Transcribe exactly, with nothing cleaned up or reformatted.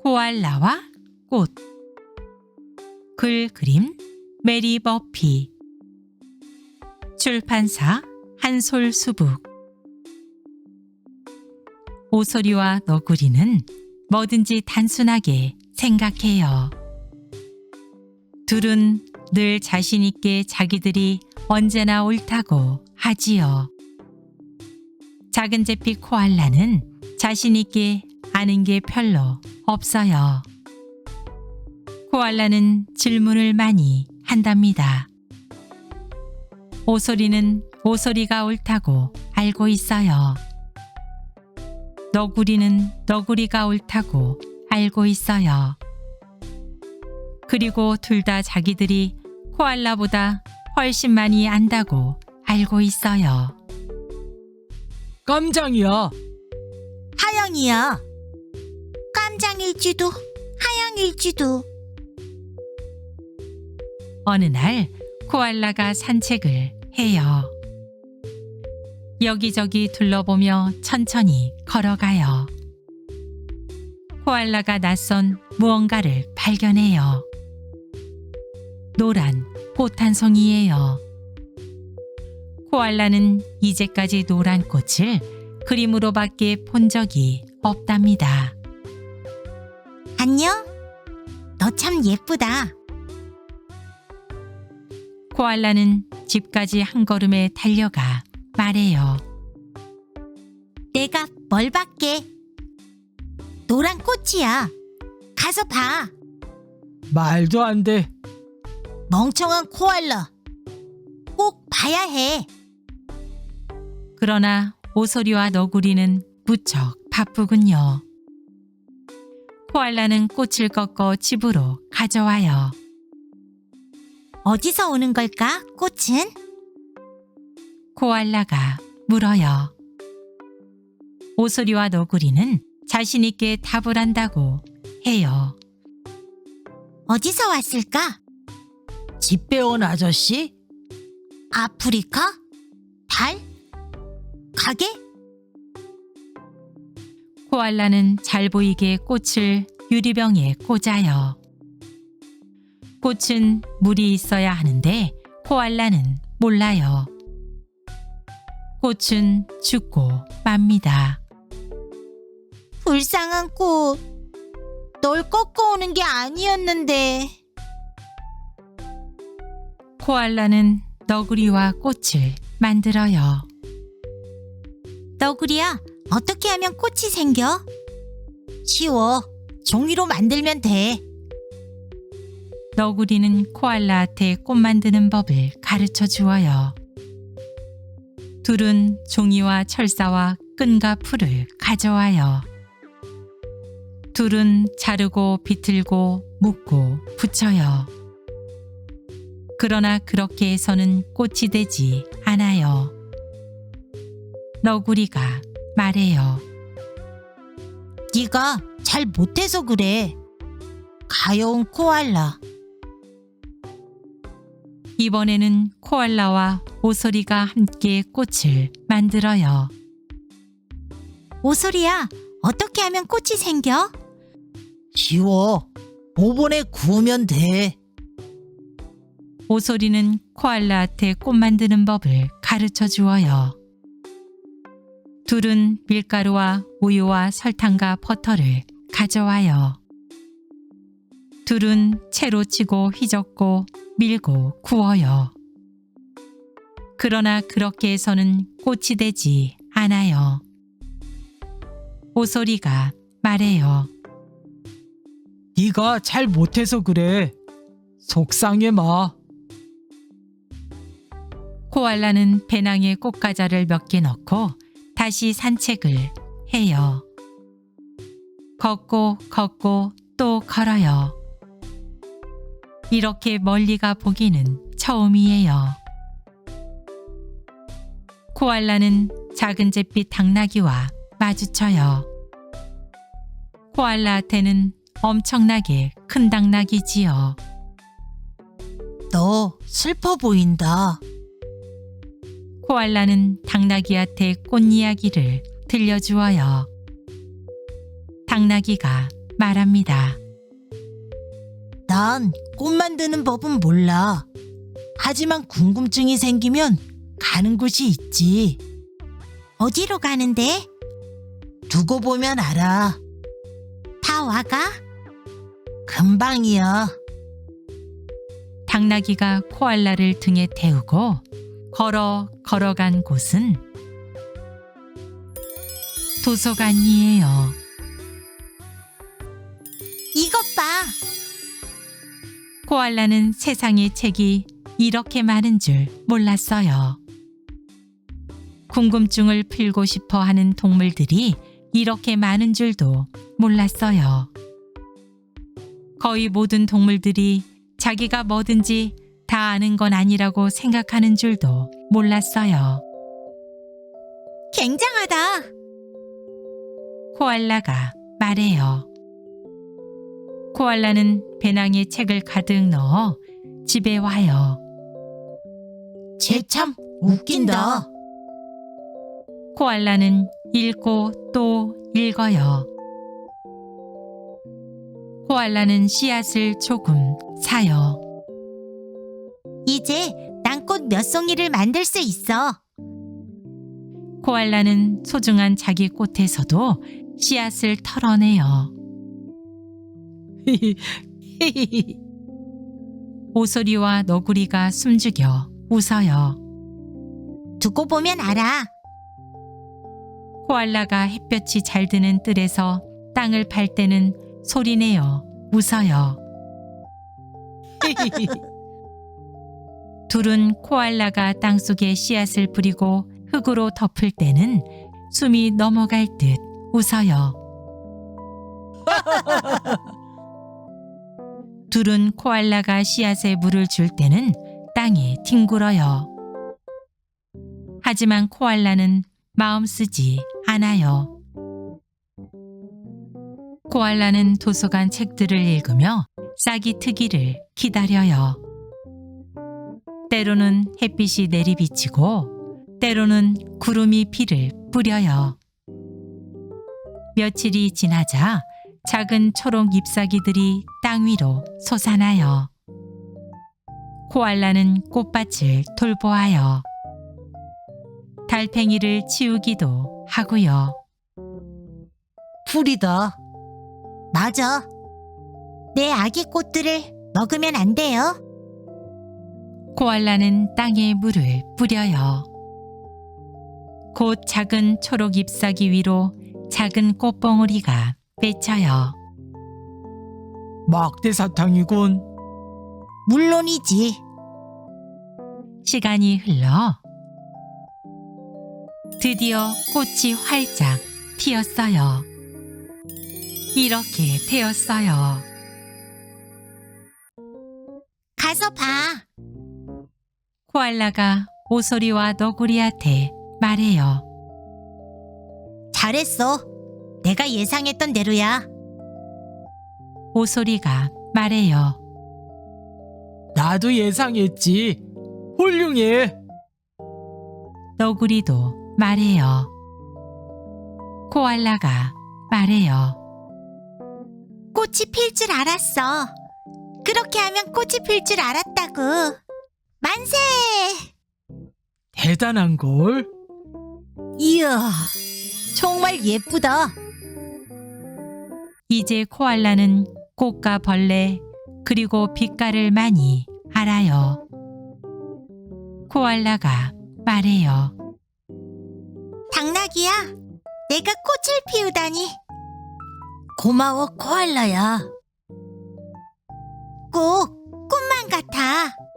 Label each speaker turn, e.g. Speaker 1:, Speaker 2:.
Speaker 1: 코알라와 꽃. 글 그림 메리 버피. 출판사 한솔수북. 오소리와 너구리는 뭐든지 단순하게 생각해요. 둘은 늘 자신 있게 자기들이 언제나 옳다고 하지요. 작은 제피 코알라는 자신 있게 아는 게 별로 없어요. 코알라는 질문을 많이 한답니다. 오소리는 오소리가 옳다고 알고 있어요. 너구리는 너구리가 옳다고 알고 있어요. 그리고 둘 다 자기들이 코알라보다 훨씬 많이 안다고 알고 있어요.
Speaker 2: 깜장이야.
Speaker 3: 하영이야. 깜장일지도 하영일지도.
Speaker 1: 어느 날 코알라가 산책을 해요. 여기저기 둘러보며 천천히 걸어가요. 코알라가 낯선 무언가를 발견해요. 노란 꽃 한 송이예요. 코알라는 이제까지 노란 꽃을 그림으로밖에 본 적이 없답니다.
Speaker 3: 안녕? 너 참 예쁘다.
Speaker 1: 코알라는 집까지 한 걸음에 달려가 말해요.
Speaker 3: 내가 뭘 받게? 노란 꽃이야. 가서 봐.
Speaker 2: 말도 안 돼.
Speaker 3: 멍청한 코알라. 꼭 봐야 해.
Speaker 1: 그러나 오소리와 너구리는 무척 바쁘군요. 코알라는 꽃을 꺾어 집으로 가져와요.
Speaker 3: 어디서 오는 걸까, 꽃은?
Speaker 1: 코알라가 물어요. 오소리와 너구리는 자신 있게 답을 한다고 해요.
Speaker 3: 어디서 왔을까?
Speaker 2: 집 배운 아저씨?
Speaker 3: 아프리카? 달? 가게?
Speaker 1: 코알라는 잘 보이게 꽃을 유리병에 꽂아요. 꽃은 물이 있어야 하는데 코알라는 몰라요. 꽃은 죽고 맙니다.
Speaker 3: 불쌍한 꽃. 널 꺾어오는 게 아니었는데.
Speaker 1: 코알라는 너구리와 꽃을 만들어요.
Speaker 3: 너구리야, 어떻게 하면 꽃이 생겨? 쉬워. 종이로 만들면 돼.
Speaker 1: 너구리는 코알라한테 꽃 만드는 법을 가르쳐 주어요. 둘은 종이와 철사와 끈과 풀을 가져와요. 둘은 자르고 비틀고 묶고 붙여요. 그러나 그렇게 해서는 꽃이 되지 않아요. 너구리가 말해요.
Speaker 3: 네가 잘 못해서 그래. 가여운 코알라.
Speaker 1: 이번에는 코알라와 오소리가 함께 꽃을 만들어요.
Speaker 3: 오소리야, 어떻게 하면 꽃이 생겨?
Speaker 2: 쉬워. 오븐에 구우면 돼.
Speaker 1: 오소리는 코알라한테 꽃 만드는 법을 가르쳐 주어요. 둘은 밀가루와 우유와 설탕과 버터를 가져와요. 둘은 채로 치고 휘젓고 밀고 구워요. 그러나 그렇게 해서는 꽃이 되지 않아요. 오소리가 말해요.
Speaker 2: 네가 잘 못해서 그래. 속상해 마.
Speaker 1: 코알라는 배낭에 꽃과자를 몇 개 넣고 다시 산책을 해요. 걷고 걷고 또 걸어요. 이렇게 멀리가 보기는 처음이에요. 코알라는 작은 잿빛 당나귀와 마주쳐요. 코알라한테는 엄청나게 큰 당나귀지요.
Speaker 3: 너 슬퍼 보인다.
Speaker 1: 코알라는 당나귀한테 꽃 이야기를 들려주어요. 당나귀가 말합니다.
Speaker 3: 난 꽃 만드는 법은 몰라. 하지만 궁금증이 생기면 가는 곳이 있지. 어디로 가는데? 두고 보면 알아. 다 와가? 금방이야.
Speaker 1: 당나귀가 코알라를 등에 태우고 걸어 걸어간 곳은 도서관이에요.
Speaker 3: 이것 봐.
Speaker 1: 코알라는 세상에 책이 이렇게 많은 줄 몰랐어요. 궁금증을 풀고 싶어 하는 동물들이 이렇게 많은 줄도 몰랐어요. 거의 모든 동물들이 자기가 뭐든지 다 아는 건 아니라고 생각하는 줄도 몰랐어요.
Speaker 3: 굉장하다.
Speaker 1: 코알라가 말해요. 코알라는 배낭에 책을 가득 넣어 집에 와요.
Speaker 3: 쟤 참 웃긴다.
Speaker 1: 코알라는 읽고 또 읽어요. 코알라는 씨앗을 조금 사요.
Speaker 3: 이제 난 꽃 몇 송이를 만들 수 있어.
Speaker 1: 코알라는 소중한 자기 꽃에서도 씨앗을 털어내요. 오소리와 너구리가 숨죽여 웃어요.
Speaker 3: 두고 보면 알아.
Speaker 1: 코알라가 햇볕이 잘 드는 뜰에서 땅을 팔 때는 소리내어 웃어요. 둘은 코알라가 땅속에 씨앗을 뿌리고 흙으로 덮을 때는 숨이 넘어갈 듯 웃어요. 둘은 코알라가 씨앗에 물을 줄 때는 땅에 뒹굴어요. 하지만 코알라는 마음 쓰지 않아요. 코알라는 도서관 책들을 읽으며 싹이 트기를 기다려요. 때로는 햇빛이 내리비치고 때로는 구름이 비를 뿌려요. 며칠이 지나자 작은 초록 잎사귀들이 땅 위로 솟아나요. 코알라는 꽃밭을 돌보아요. 달팽이를 치우기도 하고요.
Speaker 3: 풀이다. 맞아. 내 아기 꽃들을 먹으면 안 돼요.
Speaker 1: 코알라는 땅에 물을 뿌려요. 곧 작은 초록 잎사귀 위로 작은 꽃봉오리가 맺혀요.
Speaker 2: 막대 사탕이군.
Speaker 3: 물론이지.
Speaker 1: 시간이 흘러 드디어 꽃이 활짝 피었어요. 이렇게 되었어요.
Speaker 3: 가서 봐.
Speaker 1: 코알라가 오소리와 너구리한테 말해요.
Speaker 3: 잘했어. 내가 예상했던 대로야.
Speaker 1: 오소리가 말해요.
Speaker 2: 나도 예상했지. 훌륭해.
Speaker 1: 너구리도 말해요. 코알라가 말해요.
Speaker 3: 꽃이 필 줄 알았어. 그렇게 하면 꽃이 필 줄 알았다고. 만세!
Speaker 2: 대단한걸.
Speaker 3: 이야, 정말 예쁘다.
Speaker 1: 이제 코알라는 꽃과 벌레 그리고 빛깔을 많이 알아요. 코알라가 말해요.
Speaker 3: 당나귀야, 내가 꽃을 피우다니. 고마워, 코알라야. 꼭 꽃만 같아.